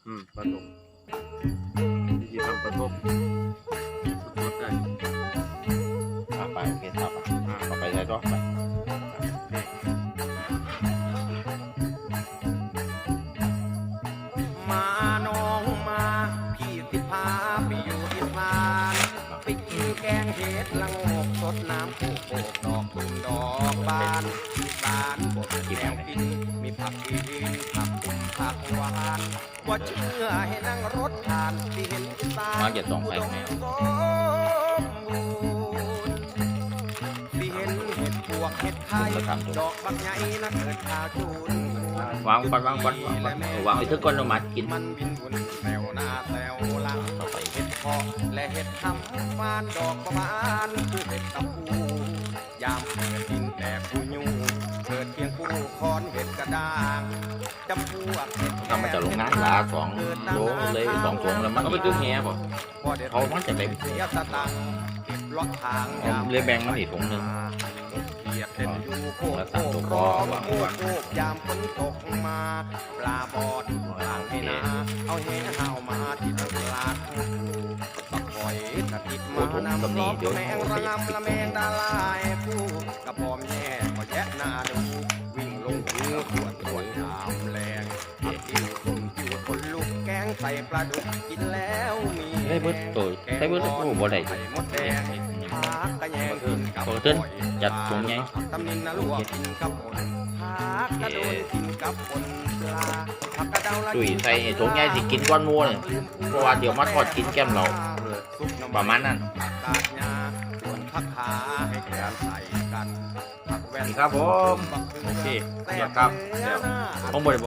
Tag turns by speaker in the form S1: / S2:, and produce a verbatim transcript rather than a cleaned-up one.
S1: อืมปลาดุกวิธีทำปลาดุกสดๆได้
S2: อ่าไปโอเคครับต่อไปใช้ก็ไป
S3: มาน้องมาพี่ติพาไปอยู่อีสานไปกินแกงเห็ดละโงกสดน้ำโคกโกดอกตุ่มดอกบานอีสานบดแนวกินมีผักอีนผักตุ่มผักหวานว่าเชื่อให้นั่งรถผ่านที่เห็นอีสาน
S2: มาเก็บสองไปไหม
S3: ที่เห็นเห็ดปวกเห็ดไข่ดอกบางใหญ่นะเกิดข้าวจูน
S2: วางก่อนวางก่อนวางก่อนเออวางไว้ทึกก่อนเรามากิน
S3: มันบินวนแถวหน้าแถวหลังต่อไปเห็ดเพาะและเห็ดทำฟานดอกประมาณคือเห็ดตะปูยามเกิดดินแตกผู้ยูเกิดเพียงผู้คอนเห็ดกระด้างจำพวกเห็ด
S2: ทำมาจากโรงงานละสองโลเลยสองถุงแล้วมันก็คือแง่บ่เขามันจะได้
S3: เสียสตังค์เก็บเลาะทางยาม
S2: เลยแบ่งมาอีกถุงหนึ่ง
S3: เกียดเต้นอยู่โคก
S2: แล้ว
S3: โค
S2: สั่ง
S3: ก
S2: ตัว
S3: ค
S2: พ่
S3: อ
S2: อ
S3: โค
S2: วาง
S3: ก
S2: ก่อน
S3: โคกยามฝนตกมาปลาบอดกลางให้นาเอาแหเห่ามาที่ตลาดบักหอยกระติดมานำล้อมแมงระงำละแมงดาลายผู้กระพอมแย่ก็แยะหน้าดูวิ่งลงหูตรวจตรวจยามแรงผักติ้วตุ่มจิ้วคนลุกแกงใส่ปลาดุกกินแล้วมี
S2: ได้เบิดตัวได้เบิดตัวบ่ได้
S3: ไข่มดแดงผักกระแยงกินกับ
S2: โอ้เติ้ลจัดถุงไง
S3: ตำนินนะลวกกินกับผลผักกระโดนกินกับผลปลาผักกระเดาละ
S2: ตุ้ยใส่ถุงใหญ่สิกินก้อนมัวเนี่ยเพราะว่าเดี๋ยวมาทอดกินแก้มเราประมาณนั้น
S3: ผักกาดหญ้าส่วนผักขาให้แกมใส่กันผักแว่น
S2: ครับผมโอเคครับผมบ่ได้